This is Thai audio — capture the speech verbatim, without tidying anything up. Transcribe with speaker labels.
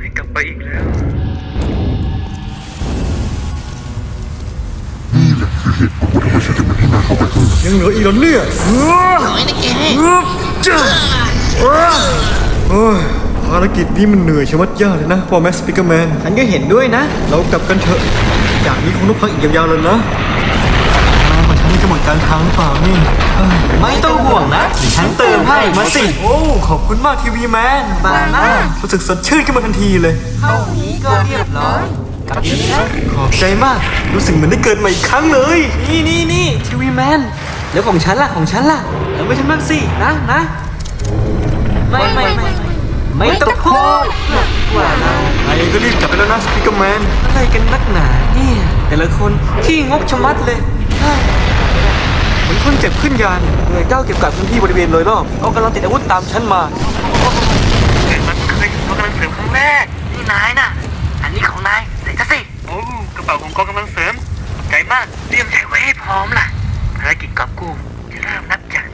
Speaker 1: ให้กลับไปอีกแล้ว
Speaker 2: นี่แหละคือเหตุผลว่าทำไมฉันถึงไม่ให้นายเข้าไปข้างใน
Speaker 3: ยังเหลืออีกแล้วเนี่ยเฮ้ย
Speaker 4: น้อยนะแก
Speaker 3: จ้าโอ้ยภารกิจนี้มันเหนื่อยชะมัดยากเลยนะพอแมสปิกเกอร์แมนฉันก็เห็นด้วยนะ เรากลับกันเถอะจากนี้คงต้องพักอีกยาวๆเลยนะนายของฉันนี่จะหมดการทางหรือเปล่านี่เอ้ย
Speaker 5: ไม่ต้องห่วงนะเดี๋ยวฉันเติมให้มาสิ
Speaker 3: โอ้ขอบคุณมากทีวีแมน
Speaker 5: มานะ
Speaker 3: รู้สึกสดชื่นขึ้นมาทันทีเลย
Speaker 5: เท่านี้ก็เรียบร้อยกลับดีนะ
Speaker 3: ขอบใจมากรู้สึกเหมือนได้เกิดมาอีกครั้งเลย
Speaker 5: นี่นี่นี่ทีวีแมนแล้วของฉันล่ะของฉันล่ะเอาไปฉันบ้างสินะนะไม่ไม่ไม่ไม่ต้องพูดว่าเรา
Speaker 3: นายเองก็รีบกลับไปแล้วนะสปิกเกอร์แมน
Speaker 5: อะไรกันนักหนาเนี่ยแต่ละคนขี้งกชะมัดเลยเฮ้ย
Speaker 3: เหมือนคนเจ็บขึ้นยานหน่วยเก้าเก็บกักพื้นที่บริเวณโดยรอบเขากำลังติดอาวุธตามฉันมา
Speaker 1: เกิดมันเคยกำลังเสริมครั้งแรกนี่นายน่ะอันนี้ของนายใส่ซะสิโอ้กระเป๋าของกองกำลังเสริมใจมากเตรียมใจไว้ให้พร้อมล่ะภารกิจกอบกู้จะเริ่มนับจาก